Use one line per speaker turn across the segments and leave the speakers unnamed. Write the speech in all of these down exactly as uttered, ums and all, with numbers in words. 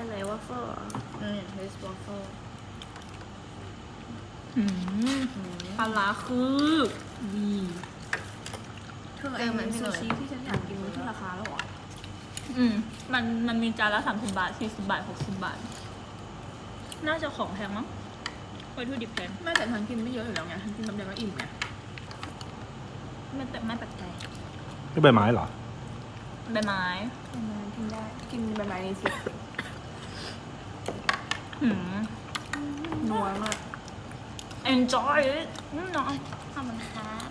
อันไหนวอฟเฟิลอ่ะ
อืมเฮสวอฟเฟิล
ปลาร้าคือดี
เธอไอ้ซูชิที่ฉันอยากกินมันขึ้นราคาแล้วเหรอ
อืมมันมันมีจานละสามสิบบาทสี่สิบบาทหกสิบบาท น่าจะของแพงมั้งวัตถุดิบแพง
ไม่แต่ฉันกินไม่เยอะอยู่แล้วไงฉันกินแป๊บเดียวก็อิ่มไง
ไม่แต่ไม่แปลกใจ
นี่ใบไม้เหรอ
ใบไม้
กินได้กินใบไม้นี้สิ
หืม
นัวมาก
enjoy it อืมน้องทำมันครับ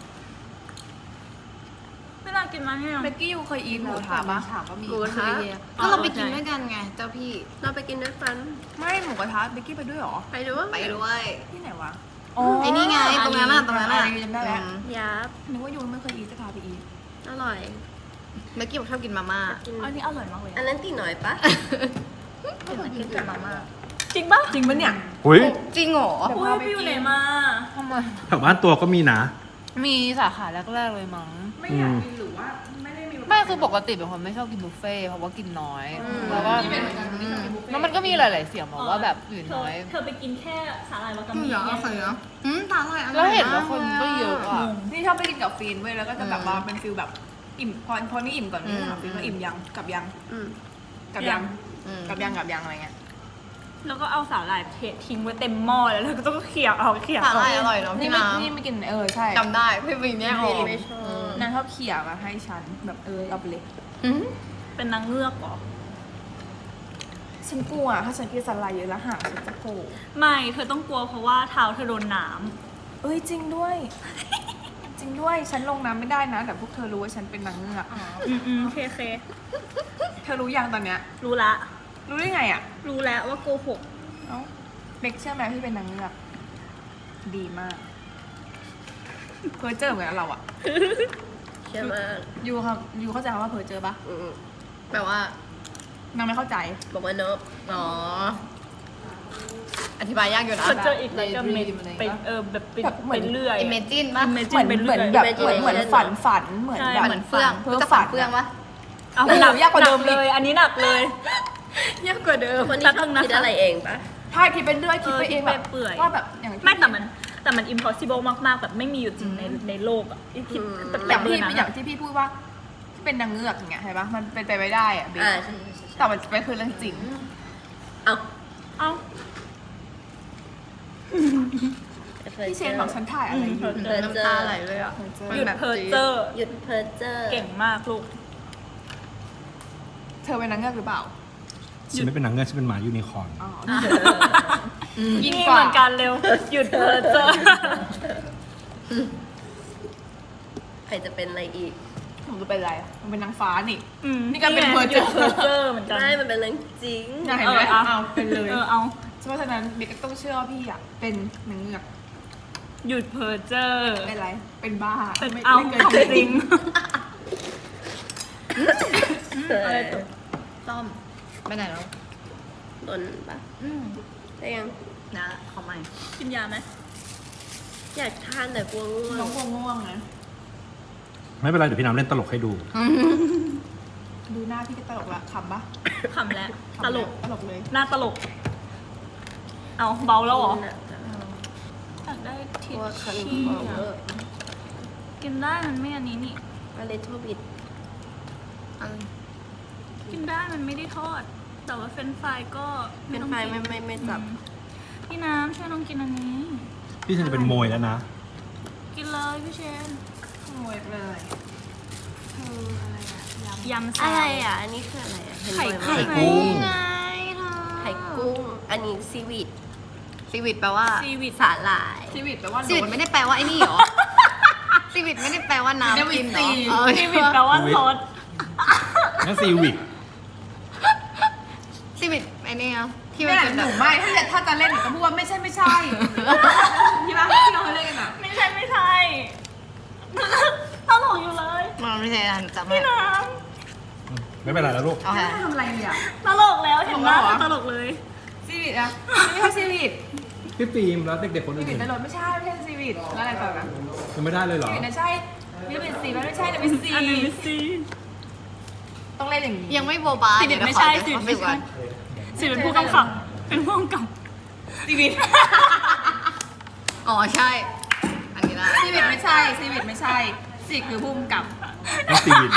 ไม่น่ากินมาให้
เบกกี้ยูเคยอีทหมูทะปะ
ถามว่ามี
หมูกระทะ
ก็เราไปกินด้วยกันไงเจ้าพี่
เราไปกินด้วยกันไม่หมูกระทะเบกกี้ไปด้วยหรอไปด้วย
ไปด้วย
ที่ไหนวะ
ไอ้นี่ไงตรงนั้นน่ะตรงนั้นน่ะ
จำได้แล้ว
อืม
ยับนึกว่ายูไม่เคยอีทจะพาไปอีทอร่อย
เมื่อกี้บอกชอบกินมาม่า
อันนี้อร่อยมากเลย
อันนั้นตีหน่อยปะ
กินแต่มาม่า
จริงปะ
จริงปะเนี่ย
อุ้ย
จริงเหรอ
อุ้ยพี่อยู่ไหนมา
ทำไม
แถวบ้านตัวก็มีนะ
มีสาขาแรกๆเลยมั้ง
ไม่อยากกินหรือว่าไม่ได้มี
ไม่คือปกติเป็นคนไม่ชอบกินบุฟเฟ่ต์เพราะว่ากินน้อย แล้วก็แล้วมันก็มีหลาย ๆ เสียงบอกว่าแบบอื่น
เธอ
น้อย
เธอไปกินแค่สาหร่ายวากา
อืม
มิ
เหรอ
ไง
เคยเหรออืมตาลอยอร่อย
แล้วเห็นว่าคนก็เยอะอ่ะ
นี่ชอบไปกินกับฟีนเว้ยแล้วก็จะแบบว่าเป็นฟิลแบบอิ่มพอพอนี่อิ่มก่อนนี่ถามฟีนว่าอิ่มยังกับยังกับยัง
อืม
กับยังกับยังอะไรเงี้ย
แล้วก็เอาสาหร่ายเททิ้งไว้เต็มหม้อแล้วแล้วก็ต้องเขี่ยเอาเขี่ย
ตา
เอา
ลอยอร่อยเนาะ
นี่
พี่
ไม่
น้ำ
นี่ไม่กินเออใช่
จำได้พี่วินเนี่ยออก
ไม่ชอบนางชอบเขี่ยมาให้ฉันแบบเออเอาไปเลย
อืม
เป็นนางเงือกเหรอ
ฉันกลัวถ้าฉันกินสไลด์เยอะแล้วหางฉันจะโผล่
ไม่เธอต้องกลัวเพราะว่าเท้าเธอโดนน้
เอ้ยจริงด้วย จริงด้วยฉันลงน้ำไม่ได้นะแต่พวกเธอรู้ว่าฉันเป็นนางเงือก
ำอืมอืมเคเค
เธอรู้ยังตอนเนี้ย
รู้ละ
รู้ได้ไงอ่ะ
รู้แล้วว่าโกหก
เอ้าเบกเชื่อไหมพี่เป็นนางเงือกดีมากเพอเจอเหมือนกับเราอ่ะ
เชื่อมาก
ยูครับยูเข้าใจคำว่าเพอเจอปะ
อืมแปลว่า
นางไม่เข้าใจ
บอกว่าเนิบอ๋อ อธิบายยากอยู่นะ
เธอเจออีกแล้วก็เม
Daydream อะไรอย่าง
ไป
เงี้ย
เออแบบไป
แบบเหมื
ไป
อน
เรื่อย
อิเมจินป่ะ
อิเม
เห
จิ
มื
น
อน
ไป
เหมื
เรื่
อ
อน ย
แบบเหมือนเหมือนฝันฝันเหมือน
ใช่
แบบ
เหมือนเฟื่อง
เพ้อ
จะ
ฝั
ฝั
น
นเฟื่องปะ
เอา
หนักยากกว่าเดิม
หนัเลย อันนี้หนักเลย
ยากกว่าเดิม
คนนี้
แป๊บ
ชอ
นึ
บ
งนะ
คิด
คะ
อะไรเองปะใช่คิดเป็นเรื่อยคิดไปเองแบบ
เปื่อย
ว่าแบบอย่างที่
ไม่แต่มันแต่มัน impossible มากๆ แบบไม่มีอยู่จริงในในโลกอ่ะที่คิดแบบ
อ
แบ
ย่า
บ
ง
เบอ
ที่
ร์นั้น
อย่าง
อะ
ที่พี่พูดว่าที่เป็นนางเงือกอย่างเงี้ยเห็นปะมันเป็นไปไม่ได้อะเบส
อ่าใช่ใช่ใช่
แต่มันเป็นคือเรื่องจริง
เอา
เอ้า
พี่เชนบอกฉันถ่ายอะไรอยู่
เดินน้ำตาไหลเลยอ่ะ
หยุดเพอเจอร์
หยุดเพอเจอร์
เก่งมากลูก
เธอเป็นนางเงือกหรือเปล่า
ฉันไม่เป็นนางเงือกฉันเป็นหมายูนิคอร์น
อ๋อ
ยิ่งเหมือนกันเร็ว หยุดเพอเจอร์
ใครจะเป็นอะไรอีก
ผมจะเป็นอะไรอะมันเป็นนางฟ้านี่
อืม
นี่ก็เป็น
ไง
เพอเจอร์
หยุดเพอเจอร์เหมือนกัน
ไม่มันเป็นเรื่องจริง
น่าเห็นไหม
เออเอา
เอาเป็นเลย
เออเอา
เพราะฉะนั้นเบกก็ต้องเชื่อว่าพี่อ่ะเป็นนางเงือก
หยุดเพอเจอร์
เป็นอะไร เป็นบ้า
เป็น
ไม่
เอา
ไม่
ของ
เกิน
จริง
อะไร
ตก
ต้อมไปไหนแล้ว
ตนปะ
อืม
ได้ยัง
นะขอใหม่
กินยาไหม
อยากทานแต่กลัวง่วงน้องกลัวง่วงนะ
ไม่เป็นไรเดี๋ยวพี่น้ำเล่นตลกให้ดู
ดูหน้าพี่ก็ตลกละขำปะ
ขำแล้ว ตลก
ตลกเลย
หน้าตลก เอาเบาแล้วเหรออยากได้ทิชชี่อะกินได้มันไม่อันนี้นี่
a little bit
กินได้มันไม่ได้ทอด แต่ว่าเฟรนช์ฟรายก็ไม่ต้องกิน
ไม่ไม่ไม่จับ
อืมพี่น้ำช่วยน้องกินอันนี้
พี่ฉันจะเป็นโมยแล้วนะ
กินเลยพี่เชน
ขโมยเลย
ยำแซว
อะไรอ่ะ อันนี้คืออะไรอ่ะเห็น
ไข่
บ่อยมาก
กุ้ง
ไง
ไข่กุ้ง อันนี้ซีวิต
ซีวิตแปลว่า
ซีวิต
สาหร่าย
ชีวิตแปลว่า
ซีวิตไม่ได้แปลว่าไอ้นี่หรอ ซีวิตไม่ได้แปลว่าน้ำกินหรอเออ
ซีวิตแปลว่าซอส
นั่นซีวิก
ซีวิตไอ้นี่อะที่มั
ไม่
น
ห
เป็น
ห
แบ
นู
บ
ไม่ถ้าจะถ้าจะเล่นหนูก็พูดว่าไม่ใช่ไม่ใช่ที่รักที่เราเล่นกันอ่ะ
ไม่ใช่ไม่ใช่ ตลกอยู่เลย
มันไม่ใช่อันจำไม่
พี่น้
ไม่เป็นไรแล้วลูก
โอเค
ทำอะไรเนี่ย
ำตลกแล้วเห็นไหม
ตลกเหรอ
ตลกเลย
ชีวิตอะไม่ใช่ชีวิต
พี่ฟิล์มแล้วเด็กๆคน
ชี
อื่
วิต
น
ในรถไม่ใช่ไม่ใช่ชีวิตแล้วอะไรต่อกัน
ยังไม่ได้เลยเหรอ
ชีวิตนะใช่ชีวิตสีมันไม่ใช่แต่เป็นสี
อันนี้ซี
ต้องเล่นอย่างนี้
ยังไม่โบบา
ซีวิตไม่ใช่ซี
เดี๋
วิ
ยว
ต
ขอ
ไม่
ดูก่
ใช่
อน
สิเป็นผู้กำกับ เป็นผู้กำกับ
ซีวิต
อ๋อใช่ อันนี้ได้
ซีวิตไม่ใช่ซีวิตไม่ใช่ซีคือพุ่มกับ
ต้องซีวิน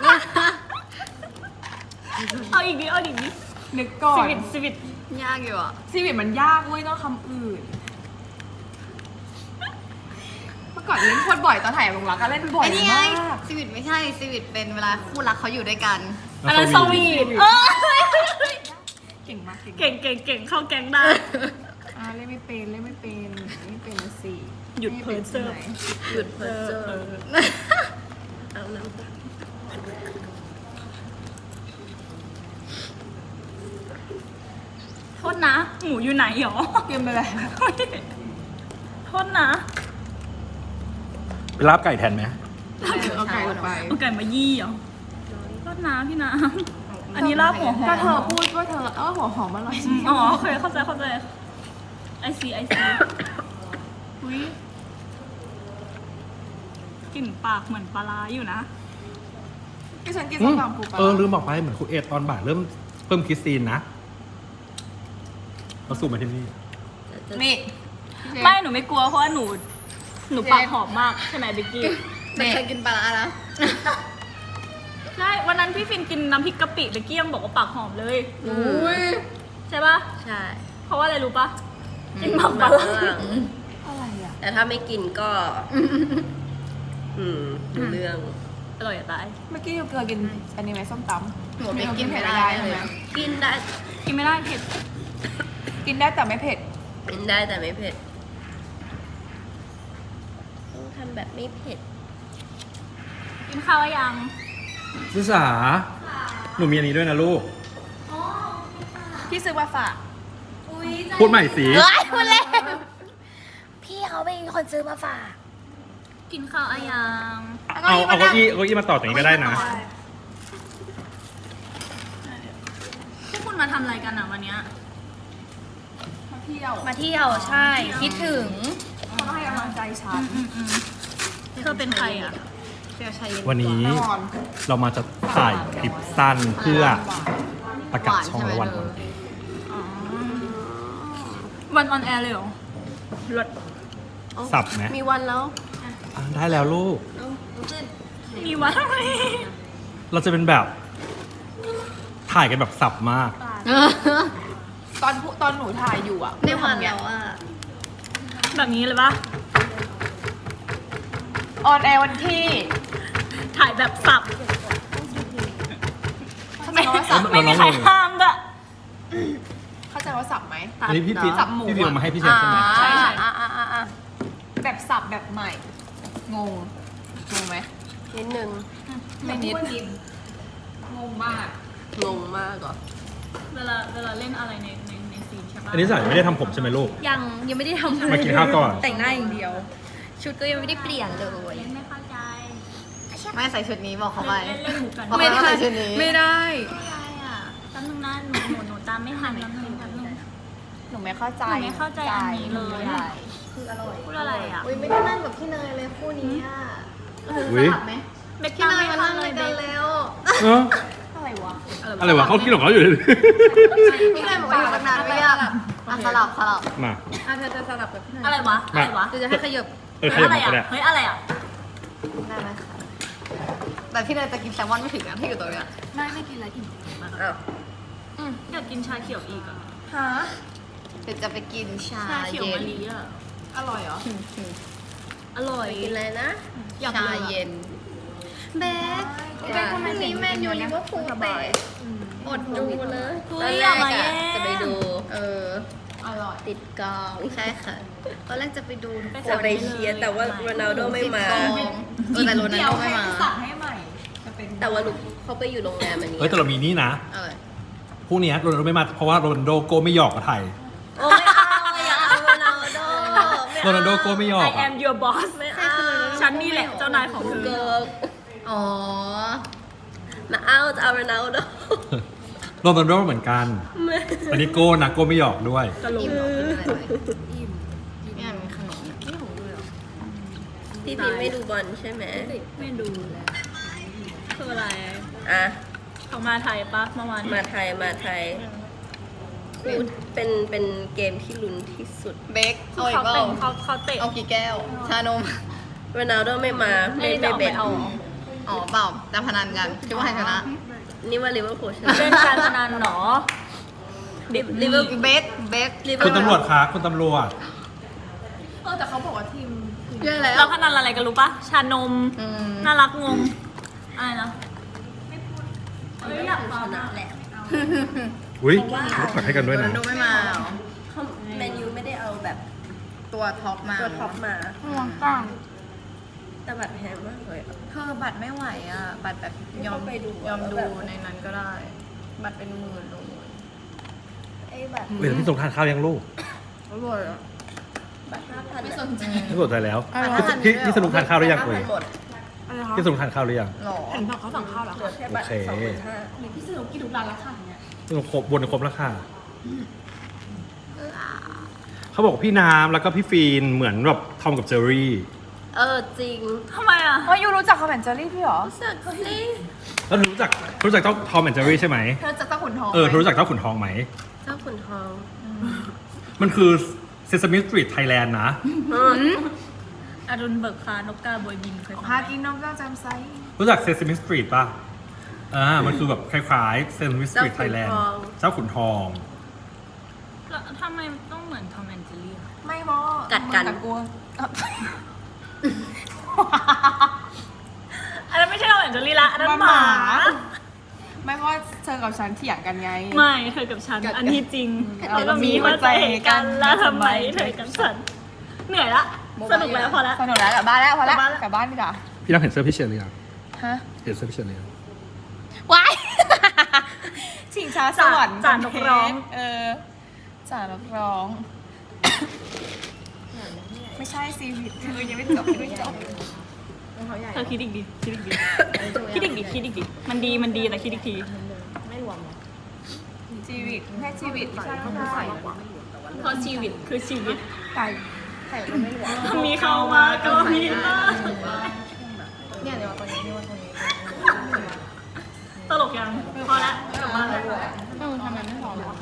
เอาอีกนิดเอาอีกนิด
นึกก่อ
สิ
น
วิตสิวิต
ยากอยู่อ่ะ
ซีวิตมันยากเว้ยต้องคำอื่น เมื่อก่อนเล่นโคตรบ่อยตอนถ่ายลงรักก็เล่นบ่อย
ไอ้นี่ไง
มาก
ซีวิตไม่ใช่ซีวิตเป็นเวลาคู่รักเขาอยู่ด้วยกัน
อันนั้นสวีทเออ
เก่งมากเก่ง
เก่งเก่งเก่งเข้าแก๊งได้
อ่าเล่นไม่เป็นเล่นไม่เป็นเล่นไม่เป็นนะสิ
หยุดเพ้อเจ้อ
หยุดเพอเจอเอาน้ำตา
โทษนะ หมูอยู่ไหนหรอ
เกมไปเลย
โทษนะ
ไปลาบไก่แทนไหม
เอาไก่ลงไป
เอาไก่มายี่เหรอโทษนะพี่น้ำอันนี้ลาบหัวหอ
ก็
ม
เธอพูดว่าเธอเออหัวหอมอร่อย
อ๋อโอเคเข้าใจเข้าใจไอซีไอซีอุ้ยกลิ่นปากเหมือนปลาร้าอยู่นะ
ที่ฉันกิน
อื
ส้ม
ม
ตำปูปลา
เออลืมบอกไปเหมือนครูเอตอนบ่ายเริ่มเพิ่มคริสตีนนะเราสูบมาที่นี่
นี่
ไม่หนูไม่กลัวเพราะว่าหนู หนูปากหอมมากใช่ไหมเบกกี้
แต่เคยกินปลาร้าแล้ว
ใช่วันนั้นพี่ฟินกินน้ำพริกกะปิเบกกี้ยังบอกว่าปากหอมเลย
อุ้ย
ใช่ปะ
ใช่
เพราะว่าอะไรรู้ปะกินหมักปลาร้า
อะไรอ่ะ
แต่ถ้าไม่กินก็ อืมรู้เรื่อง
อร่อยจะตาย
เมื่อกี้เราเคยกินอันนี้ไหมส้มตำ
หนูไม่กินไม่
ไม่
ได้
ได้
เล
ใช่ไหม
ย
กินได้
กินไม่ได้เผ็ด
กินได้แต่ไม่เผ็ด
กินได้แต่ไม่เผ็ด ต้องทำแบบไม่เผ็ด
กินข้าวแล้วยัง
ซิสาหนูมีอันนี้ด้วยนะลูก
พี่ซื้อมาฝาก
พูดใหม่สิ
เฮ้ยคุณเล่นพี่เขาเป็นคนซื้อมาฝาก
กินข้าวอะยัง
เอาเอาเก้าอี้เอาเก้าอี้มาต่อตรงนี้ก็ได้นะ
พวกคุณมาทำอะไรกันอ่ะวันเนี้ย
มาเที่ยว
มาเที่ยวใช่ คิดถึง
เขาให้กำลังใจฉัน
อืมอืมเธอเป็นใครอ่ะ
เที่ยวชายเย็น
วันนี้
นอน
เรามาจะถ่ายคลิปสั้นเพื่อประกาศช่องและวัน
หวานใช่ไหม
อ๋อ วันออนแอร์เลยเหรอรถ
สับไหม
มีวันแล้ว
อ่ะได้แล้วลูก
มีวันอะไร
เราจะเป็นแบบถ่ายกันแบบสับมาก
ตอนผู้ตอนหนูถ่ายอยู่อ่ะ
ในวันแล้วอ่ะ
แบบนี้เลยปะ
ออนแอร์วันที่
ถ่ายแบบสับ
เข้าใจว่าสับ
ไม่มีใครห้ามด้วย
เข้าใจว่าสับไหม
อันนี้พี่พี
สับหมู
พี่พีเอามาให้พี่เชฟใช่ไหม
ใช่ใช่
อ่าอ่าอ่าอ่า
แบบสับแบบใหม่ งง งงไหม
นิดนึง
ไม่นิดงงมาก
งงมากเหรอ
เวลาเวลาเล่นอะไรในในในซีนใช่ปะ
อันนี้สายไม่ได้ทำผมใช่ไหมลูก
ยังยังไม่ได้ทำอะไร
มากินข้าวก่อน
แต่งหน้าอย่างเดียว ชุดก็ยังไม่ได้เปลี่ยนเลย
เล่นไม่เข้าใจ
ไม่ใส่ชุดนี้บอกเขาไป
เล่นเล่นหมูกัน
ไม่ได้ใส่ชุดนี้
ไม่ได้
อะไรอ่ะแป๊บนึงนะหนูหนูหนูตามไม่ทันแป๊บนึงแป๊บนึง
หนูไม่เข้าใจ
หนูไม่เข้าใจอันนี้เลยอะ
คืออร่อย
พูดอะไรอ่ะ
อุ้ยไม่ได้นั่งกับพี่เนยเลยคู่นี้อ่ะ
อุ๊ย
สลับไหม
เบ็ก
พี่
ตาม
เนย
ไม่
มา
ทั
นั่
น
ง
เล
เลย ย
เบ็
กัน
ก
แล้ว
เออ
อะไรวะ
อะไรวะเขากินของเขาอยู่เลย
พี่เนยบอกว่าอยู่ตั้งนานไม่ยากอ่ะสลับสลับ
มา
อ่ะเธอจะสลับกับพี่เนย
อะไรวะอะไรวะ
เธอจะให้ขยับ
เออข
เฮ้ย
ยับ
อะไร
มา
อ่ะ
ก็ได้
เฮ้ยอะไรอ่ะ
ได้ไหมคะแต่พี่เนยจะกินแซลมอนไม่ถึงนะที่อยู่ตรงเนี้ย
ไม่ไม่กินอะไรอิ่ม
อ้าว
อยากกินชาเขียวอีกอ่ะ
ฮะ
เดี๋ยวจะไปกินชา
ชาเขียว
เย็
มะ
น
ลิอ่ะ
อร่อยเหรอ
อร่อย
กินอะไรนะ
อยาก
ชา
รู้อะ
เย็นเบคเบคพรุ่งนี้แมนยูลิเวอร์พูลเตะอดดูเลย
เฮ้
ตอน
ย
แร
อย่าก มา
อะ
แย่
จะไปดู
เออ
อร่อย
ติดกอง
ใช่ค่ะตอนแรกจะไปดูทุกค
จะ
น
ไปเชียร์แต่ว่าโรนัลโดไม่มา
ติดกองเออแต่โรนัล
เดี๋ยว
โดไม่
ให้
มา
สั่งให้ใหม่ จะเป็น
แต่ว่าลูกเขาไปอยู่โรงแรมอันนี้
เฮ้ยแต่เรามีนี่นะ
เออ
พรุ่งนี้โรนัลโดไม่มาเพราะว่าโรนัลโดโกไม่หยอกกับไทย
โอ้ไม่เอาอย่าเอาโรนัลโด
โรนัลโดโกไม่หยอก
I
อ่ะ
am your boss
ไม่เอา
ฉันนี่แหละเจ้านายของเธอ
เกิร์
อ๋อ
มาเอาจะเอาโรนัลโด
โรนัลโดเหมือนกัน อันนี้โก้นะโก้ไม่หยอกด้วย
ตลก
อิ่มเหรอกินอะไรไหมอิ่มเนี่ยมีขนมเนี่ยนี่ของดูเหรอ
พี่พิมไม่ดูบอลใช่ไหม
ไม่ดูคืออะไร
อ่ะ
เขามาไทยปะเมื่อวาน
มาไทยมาไทยพูดเป็นเป็นเกมที่ลุ้นที่สุด
เบคเอาอีก
เขา
เปล่า
เตะเขาเขาเตะ
เอากี่แก้ว ชานม
โรนัลโดไม่มาไม่
ไม่
ไม่
เอา
เบ็
ไม่
ด
เอา
อ๋อเปล่าแต่พนันกันคิดว่าใครชนะ
นี่ว่าลิเวอร์พูลชนะ
เล่นการพนันเหรอเด็ก
ลิเวอร์
เบคเบค
ลิเวอ
คุณ
ร์พูล
ตำรวจคะคุณตำรวจ
เออแต่เขาบอกว่าทีม
เยอะแล้ว
เราพนันอะไรกันรู้ปะชานม
อืม
น่ารักงงอะไรนะเอ้ยอยากฟัง
ชนะ
อะ
แหละ
อุ้ยฝากให้กันด้วยนะ
โรนัลโดไม่มาเหรอ
เขาแมนยูไม่ได้เอาแบบ
ตัวท็อปมา
ตัวท็อปมา
ห่วงกล้าง
แต่บัตรแพงมากเลยอะ
เธอบัตรไม่ไหวอ่ะ บัตรแบบยอม
เข้าไปดู
ยอม
แล้ว
ดู
แบบ
ในนั้นก็ได้ บัตรเป็นหมื่นเลย
ไอ้บัตร
เดี๋ยวพี่ส่งทานข้าวยังลูก
อร่อยอ่ะ
บัตรห้าพัน
ไม่สนใจ
พี่สนใจแล้ว
อ่ะ
พี่พี่พี่สนุกทานข้าวหรือยัง
ห้า
เอ่
พั
ย
นหมด
อะไรคะ
พี่สนุกทานข้าวหรือยัง
หรอ
เห็นบอกเขาสั่งข้าวแล้ว
เหลือ
ค่ะ
แค่บัตร
โอเค
สองหมื่นห้า
พี่สนุกกินทุกร้านแล้วค่ะเนี่ย
พี่สนุกครบบนครบแล้วค่ะเขาบอกว่าพี่น้ำแล้วก็พี่ฟีนเหมือนแบบทอมกับเจอรี่
เออจริง
ทำไมอ่ะ
เฮ้ยยูรู้จักคอมแอนเจอรี่พี่หรอ
สักสิ
แล้วรู้จักรู้จักเจ้าทอมแอนเจอรี่ใช่ไหม
เธอจะตะขุนทอง
เออรู้จักเจ้าขุนทองไหม
เจ้าขุนทอง
มันคือ Sesame Street Thailand นะ
อรุณเบิกฟ้านกกาบวยบินเคยฟัง
หา
ไหม
กินน้องเจ้าจำไซ
รู้จัก Sesame Street ป่ะ อ่า มันคือแบบคล้ายๆ Sesame Street
เจ้าขุน
Thailand
ทอง
เจ้าขุนทอง
แล้วทำไมต้องเหมือนทอมแอนเจอรี่อะ
ไม่มอ
กัดกัน
มึงกลัว
อันนั้นไม่ใช่ทอมแอนเจอรี่ละอันนั้นห
ห
มา
มา ไม่เพราะว่าเธอกับฉันเถียงกันไง
ไม่เธอกับฉัน
กัดกัน
อันที่จริง
เออ
แล้วก็มีหัวใจให้กันแล้วทำไมเธอกับฉัน เหนื่อยละ
โมบาย
สนุกแล้วพอละ
สนุกแล้วกลับบ้านแล้วพอแล้ว
กลับบ้านแล้ว
กลับบ้านดีกว่า
พี่น้ำเห็นเสื้อพี่เชียร์หรือยัง
ฮะ
เห็นเสื้อพี่เชียร์หรือยัง
ว้ายชิงช้าสวรรค์
จ่านกร้อง
เออจ่านกร้อง ไม่ใช่ซีวิตเธอยังไม่จบยังไม่จบ
เธอคิดอีกดิคิดอีกดิคิดอีกดิคิดอีกดิมันดีมันดีแต่คิดอีกที
ชีวิตแค่ชีวิตใช่ใช่
เพราะชีวิตคือชีวิต
ไก่
มีเข้ามาก็มีมา
เนี่ยเดี๋ยวตัวนี้นี่ว่าตัวนี้
ตลกยังพอละกลับบ้านแล้ว
เออทำไมไม่พอหรอ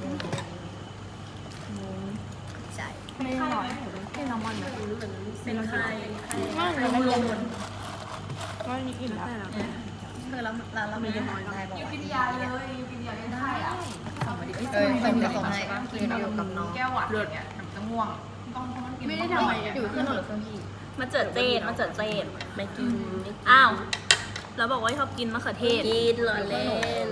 ไม่หน่อย
เป็นใคร
ไม่เราไม่ลง
ว่านี่อิ่มแล้ว
เธอแล้วร้านเราไม่ได้นอนได้บอก
ยูกินยาเลยยูกินยาเล่นได้อ่ะ
เออส่งจะส่งให้กินอยู่กับน้อง
แก้วหวานเนี่ยน้ำจะง่วงต้องต้องกิน
ไม่ได้ทำอะไรอยู่เครื่องหรือเครื่องพี่
มาเจอเจดมาเจอเจด
ไม่กินไม่กิน
อ้าวแล้วบอกว่าชอบกินมะเขือเทศ
กินเหรอเล่น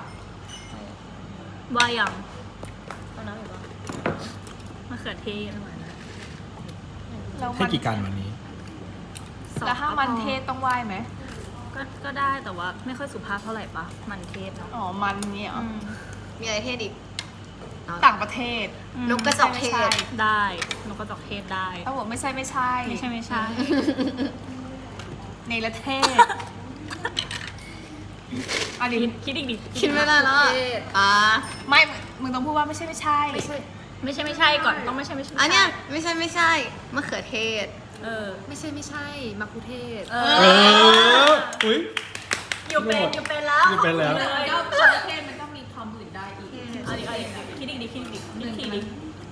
ว่ายัง
เอาน้ำอีกป่ะ
มะเขือเทศ
แล้ว
ให้
มัน
กี่การวันนี้
แล้วถ้ามันเทศต้องไหว้ไหม
ก็ก็ได้แต่ว่าไม่ค่อยสุภาพเท่าไหร่ปะมันเทศเนาะ
อ๋อมันเนี่ยเหรอ
อืม
มีอะไรเทศอีก
ต่างประเทศ
อืม
นกกระจอกเทศ
ได้นกกระจอกเทศได้
ถ้าบอกไม่ใช่ไม่ใช่
ไม่ใช่ไม่ใช่
ในประเทศอัน
คิ
นี้
ดคิดอีกดิ
คิดไม่ได้แล้วอะอ่า
ไม่ มึงต้องพูดว่าไม่ใช่ไม่ใช่
ไม่ใช่
ไม่ใช่ไม่ใช่ก่อนต้องไม่ใช่ไม่ใช่
อันเนี้ยไม่ใช่ไม่ใช่มะเขือเทศ
เออ
ไม่ใช่ไม่ใช่มะคุเทศ
เอ
เอ
อ
อ อุ้ย
อยู่เป็นอยู่เป็นแล้ว
อยู่เป็นแล้ว
เลย
แล้วประเทศมันต้องมีความอื่นได้อีก
เอาดิเอาดิคิดอีกดิคิดอีกดิคิดทีดิ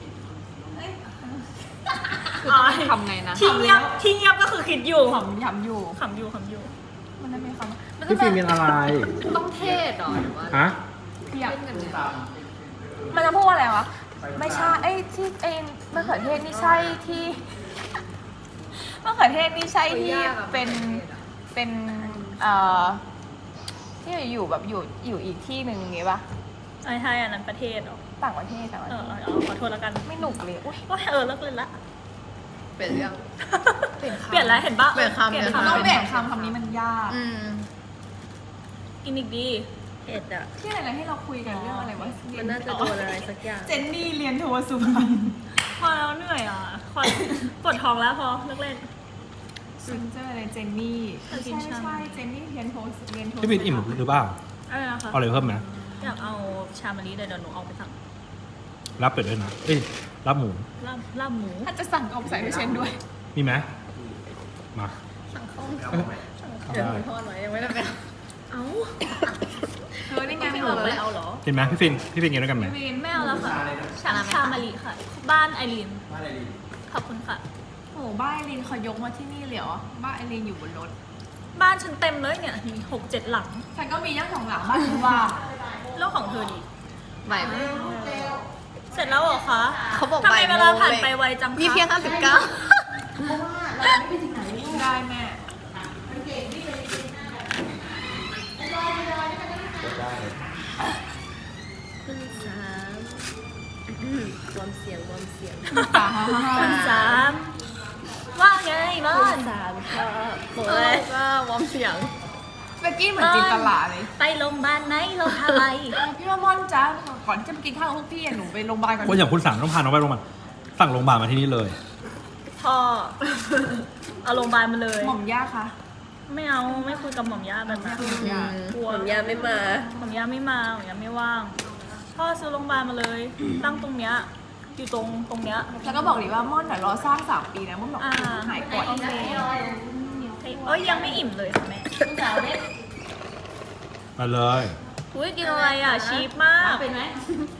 อ๋อ
ทำไงนะ
ที่เงียบที่เงียบก็คือคิดอยู่
ขำยำอยู่
ขำอยู่ขำอยู่
มันไม่มีคำมัน
พี่ฟีนเป็นอะไร
ต้องเทศเหรอหรือว่า
ฮะ
เพียบมันจะพูดว่าอะไรวะ ไม่ใช่ไอ้ที่ไอ้มะเขือเทศนี่ใช่ที่ มะเขือเทศนี่ใช่ที่เป็นเป็นเอ่อที่อยู่แบบอยู่อยู่อีกที่หนึ่งอย่างงี้ปะ
ไอ้ใช่อันนั้นประเทศเหรอ
ต่างประเทศต่างประ
เอ
เท
อ
ศ
เอาเอาขอโทษแล้วกัน
ไม่หนุกเลยอุ้ย
โอ้ยเออเลิกเล่นละ
เปลี่ยนเรื่อง
เปลี่ยนคำ
เปลี่ยนแล้วเห็นปะ
เปลี่ยนคำ
เปลี่ยน
เปลี่ยน
คำ
ต้องเปลี่ยนคำคำนี้มันยาก
อืม
กินอีกดี
เผ็ดอ่ะ
ที่อะไรให้เราคุยกันเรื่องอะไรวะ
มันน่าจะโดนอะไรสักอย่าง
เจนนี่เรียนโทสุพรรณ
พอแล้วเหนื่อยอ่ะขอปวดท้องแล้วพอเลิกเล่น
ซินเจอร์อะไรเจนนี่
เออ
ไม่
กิน
ใช่
ชา
ไม่ใช่เจนนี่เรียนโทเรียนโท
พี่ฟีนอิ่มหรือเปล่า
อะไรนะคะ
เอาอะไรเพิ่มไหม
อยากเอาชามะลิเดี๋ยวเดี๋ยวหนูเอาไปสั่ง
รับเป็ดด้วยนะ เอ้ย รับหมู
ลาบลาบหมู
ถ้าจะสั่งเอาใส่ด้วยเชนด้วย
มีไหมมา
สั่งข้าว
เอาได้
ทอดไว้ยังไม่ได้ไป
เอ้า
เธอนี่ไงไม่เอาเลยเอาเหรอ
กินไหมพี่ฟินพี่ฟินกินด้วยกันไหม
วินไม่เอาแล้วค่ะ ชาชามะลิค่ะ บ้านไอรีน ขอบคุณค่ะ
โอ้บ้านไอรีนเขายกมาที่นี่เลยเหรอบ้านไอรีนอยู่บนรถ
บ้านฉันเต็มเลยเนี่ย มีหกเจ็ดหลัง
ฉันก็มีทั้งสองหลังบ้านฉันว่า
แล้วของเธอดี
ใหม่
เสร็จแล้วเหรอคะ
เขาบอก
ทำไม
บ่ายโมง
เวลาผ่านไปไวจังคะ
นี่เพียงห้าสิบเก้า
ได้แม่
วอร์มเสียงวอร์มเสียง
คุณสามว่าไงมอน
สามครับ
โอ้ยก็วอร์มเสียง
เมื่อกี้เหมือนจินตลาเลย
ไปโรงพยาบาลไหนเราทำอะไร
พี่ว่าม่อนจ้าก่อนที่จะไปกินข้าวกับพวกพี่อะหนูไปโรงพยาบาลก่อน
ว่าอย่างคุณสามต้องพาน้องไปโรงพยาบาลสั่งโรงพยาบาลมาที่นี่เลย
พ่อ เอาโรงพยาบาลมาเลย
หม่อมย่าคะ
ไม่เอาไม่คุยกับหม่อมย่าแบบนั้น
ย่าก
ลัว
ผมยาไม่มา
หม่อมย่าไม่มาหม่อมย่าไม่ว่าง พ่อซื้อโรงพยาบาลมาเลย ตั้งตรงเนี้ยอยู่ตรงตรงเนี้ย
แล้วก็บอกดิว่าม่อนน่ะรอสร้างสามปีนะม่อนบอก
อ่า
หายก่อน
โอเคเอ้ยยังไม่อิ่มเลยค่ะแม่
มาเลย
อุ้ยกินอะไรอ่ะชีสมากเป็นไหม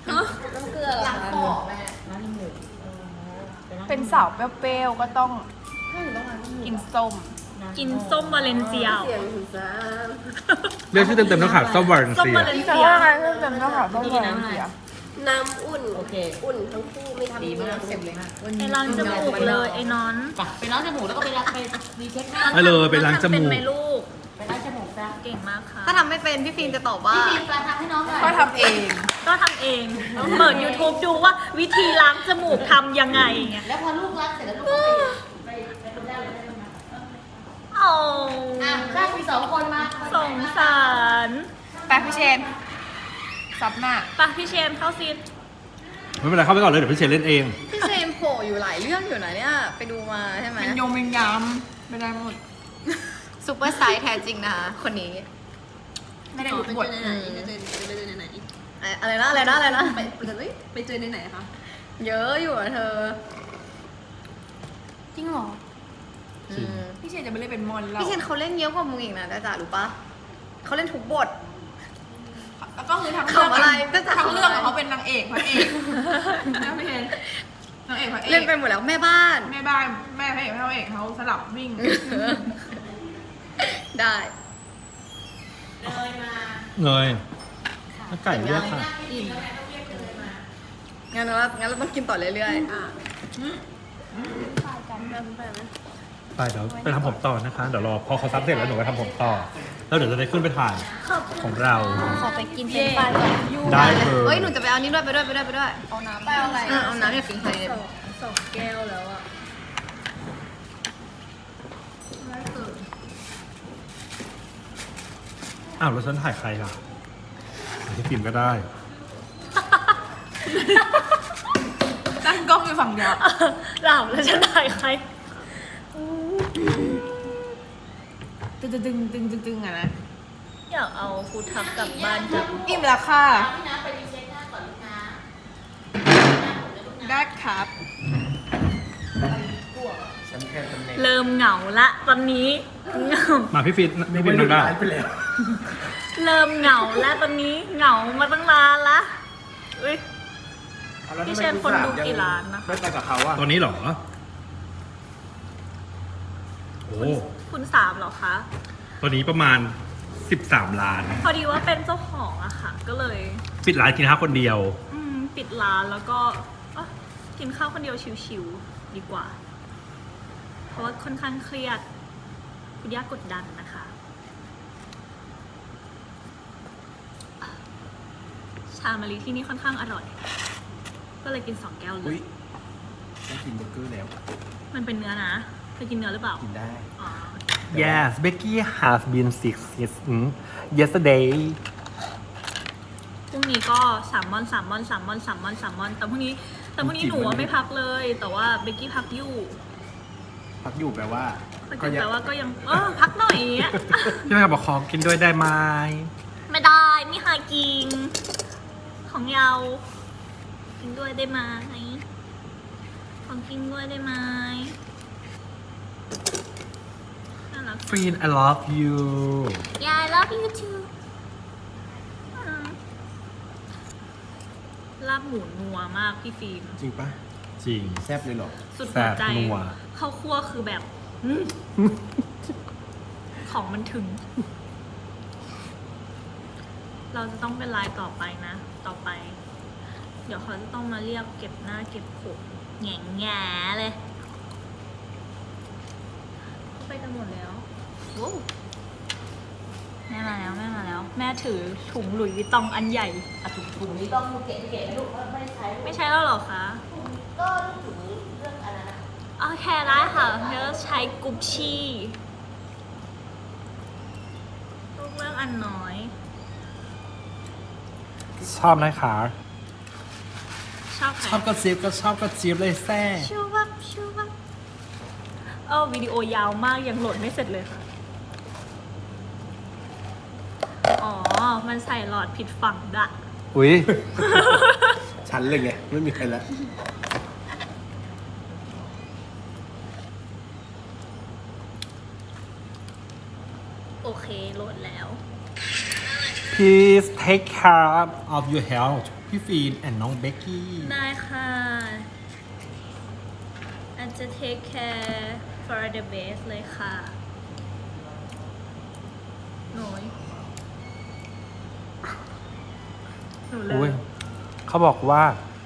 เป็นสาวเปรี้ยวๆก็ต้องกินส้ม
กินส้มวาเลนเซีย
เสียงคุณสาม
เรียกชื่อเต็มๆต้องขาดส้มวาเลน
ส้ม
เซียว
าเลน
แต่
เซีย
ว่าไงเรื่องจำก็หาต้องเลยเสีย
น้ำอุ่น โอเค อุ่นทั้งคู่ไม่ทำดีมากเสร็จเลยนะ
ไอ้ร้านจมูกเลยไอ้นอน
ไปล้างจมูกแล้วก็ไปล้างไปรีเช็คหน้า
ไปเลยไปล้างจ
เป็น
มูก
ไหมลูก
ไปล้างจมูกซะ
เก่งมากค่ะ
ถ้าทำไม่เป็นพี่ฟิล์มจะตอบว่า
พี่ฟิล์มไปทำให้น้องหน่อย
ก็ทำเอง
ก็ทำเองเปิด YouTube ดูว่าวิธีล้างจมูกทำยังไงเงี้ย
แล้วพอลูกล้างเสร็จแล้วลูกก็ไปไปไปทำได้เลยได้ไหม
โอ้
อ่ะได้มีสองคนมา
สงสาร
แปะพี่เชนซับหน้า
ปะพี่เชนเข้าซีน
ไม่เป็นไรเข้าไปก่อนเลยเดี๋ยวพี่เชนเล่นเอง
พี่เซมโผล่อยู่หลายเรื่องอยู่นะเนี่ย ไปดูมาใช่ไหม
เป็นยงเป็นยำไม่ได้หมด
ซูเปอร์ไซส์แท้จริงนะคะคนนี้
ไม่ได้อุบท
อืมอะอะไรนะอะไรนะอะไรนะ
ไปเจอไปเจอในไหนคะ
เยอะอยู่อะเธอ
จริงเหรอ
อืม
พี่เชนจะไม่เล่นเป็นมอนแล้ว
พี่เชนเขาเล่นเยอะกว่ามึงอีกนะจ้าจ๋ารู้ปะเขาเล่นทุกบท
แล้วก็คือทั้งเรื่อง
ขำอะไรก็จะ
ทั้งเรื่อง
ขำอะไร
อะเขาเป็นนางเอกพระเอกนะพี่เชนนางเอกพระเอก
เล่นไปหมดแล้วแม่บ้าน
แม่บ้านแม่พระเอกพระเอกเขาสลับวิ่ง
ได้
เงยถ้าไก่เรียกค่ะ
งั้นเรางั้นเราต้องกินต่อเรื่อยๆ
ไปเดี๋ยวไปทำผมต่อนะคะ เดี๋ยวรอพอเขาซับเสร็จแล้วหนูไปทำผมต่อ แล้วเดี๋ยวจะได้ขึ้นไปถ่ายของเรา
ขอไปกินเป็นปลาก่อน
ได้เล
เฮ้ย
ย
หนูจะไปเอานี้ด้วยไปด้วยไปด้วยไปด้วย
เอาน้ำไปเอาอะไร
อ่ะเอาน้ำเนี่ยฟิงไทย
สองแก้วแล้วอ่ะ
อ้าวแล้วฉันถ่ายใครล่ะที่ฟิล์มก็ได้
ตั้งกล้องอยู่ฝั่งเดียว
หลับแล้วจะถ่ายใคร
ตึงตึงตึงตึงตึงตึงอะนะ
อยากเอาฟูดทักกลับบ้านจัง
อิ่มแล้วค่ะ
พี่นะไปรีเช็คหน้าก่อนลูกนะ
ได้ครับ
เริ่มเหงาละตอนนี้เหงา
มาพี่ฟิล์มพี่ฟิล์มนั่งได้
เริ่มเหงาแล้วตอนนี้เหงามาตั้งนานละอุ้ยพี่เชนคนดูกี่ล้านนะคะ
ไม่ไปกับเขาอะ
ตอนนี้เหรอ โอ้
คุณสามเหรอคะ
ตอนนี้ประมาณสิบสามล้าน
พอดีว่าเป็นเจ้าของอะค่ะ ก็เลย
ปิดร้านกินข้าวคนเดียว
อืมปิดร้านแล้วก็อ่ะกินข้าวคนเดียวชิวๆดีกว่า เพราะว่าค่อนข้างเครียด คุณย่ากดดันนะคะ ชามะลิที่นี่ค่อนข้างอร่อย ก็เลยกินสองแก้วเล
อุ้
ย
ยต้องกินเบอร์เกอร์แล้ว
มันเป็นเนื้อนะเคยกินเนื้อหรือเปล่า
กินได้
อ๋อ
Yes Becky has been sick since yesterday
พรุ่งนี้ก็สามมอนสามมอนสามมอนสามมอนสามมอน แต่พรุ่งนี้ แต่พรุ่งนี้หนูว่าไม่พักเลย แต่ว่าเบกกี้พักอยู่
พักอยู่แปลว่า
พักอ
ก็
ยู่
ยัง
แต่ว่าก็ยัง เออพักหน่อยอะ
พี่แม่บอกขอกินด้วยได้ไหม
ไม่ได้ไม่หากิน ของเยากินด้วยได้ไหมของกินด้วยได้ไหมน่ารัก
ฟิน I love you
Yeah I love you too พหมูนัวมากพี่ฟิล์ม
จริงปะ
จริง
แซบเลยเหรอ
สุดหัวใจ
แซ่บนัว
ข้าวคั่วคือแบบอืมของมันถึง เราจะต้องเป็นลายต่อไปนะ ต่อไป เดี๋ยวเขาจะต้องมาเรียกเก็บหน้าเก็บผมแง่แง่ๆเลยเขาไปกันหมดแล้วโว้วแม่มาแล้วแม่มาแล้ว แม่ถือถุงหลุยส์วิตตองอันใหญ่อะถุงถุงนี้
ต้องเกะเกะลูกไม่ได้ใช้
ไม่ใช่แล้วเหรอคะ
ก็ลูกถึงเรื่องอะไรนะ
โอเคได้ค่ะเดี๋ยวใช้กุชชี่ลูกเรื่องอันน้อย
ชอบนะคะ
ชอบใคร
ชอบก็ซีบก็ชอบก็จีบเลยแซ่
ชูวับชูวับเออวิดีโอยาวมากยังโหลดไม่เสร็จเลยค่ะ อ๋อ มันใส่หลอดผิดฝั่งดะ
อุ้ย
ฉันเลยไง ไม่มีใครแล้ว
โอเคโหลดแล้ว
please take care of your health พี่ฟีน and น้องเบกกี้
ได้ค่ะอาจจะ take care for the best เลยค่ะหนูหนูเล
อุ้ย
ย
เขาบอกว่า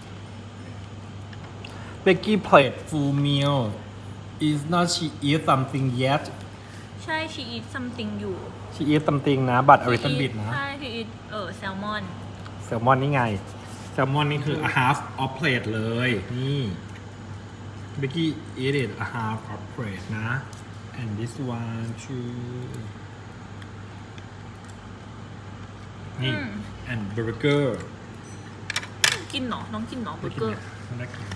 Becky played full meal is not she eat something yet
ใช่ she eat something อยู่
she eat something นะ but a little bit นะ
ใช่ she eat เออแซลมอน
แซลมอนนี่ไง แซลมอนนี่คือ a half of plate เลย นี่ Becky eat it a half of plate นะ and this one too นี่
อืม
and burger
กินเหรอ น้องกินเหรอเบอร์เกอร์
ไม่ได้กิน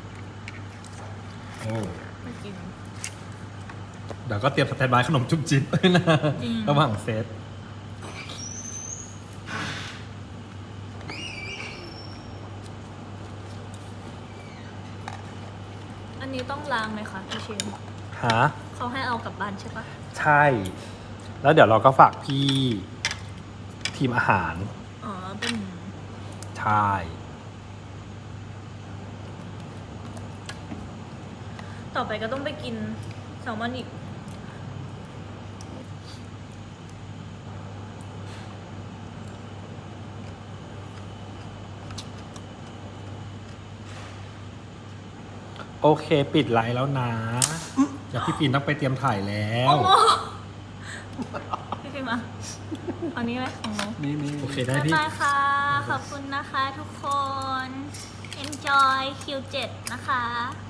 โอ้
ไม่กิน
เดี๋ยวก็เตรียมสแตนบายขนมจุ๊บจิ๊บด้วยนะ
จริง
ระหว่างเซต
อันนี้ต้องล้างไหมคะพี่เชน
ฮะ
เขาให้เอากลับบ้านใช่ปะ
ใช่ แล้วเดี๋ยวเราก็ฝากพี่ทีมอาหาร
อ๋อ เป็น
ใช่
ต่อไปก็ต้องไปกินแซลมอนอีก
โอเค ปิดไลน์แล้วนะ เดี๋ยวพี่ปีนต้องไปเตรียมถ่ายแล้ว
พี่ฟิล์มอะเอานี้ไหมของหนู
มีมี
โอเคได้
บ๊าย
พี่
บายค่ะ ขอบคุณนะคะทุกคน enjoy คิว เจ็ด นะคะ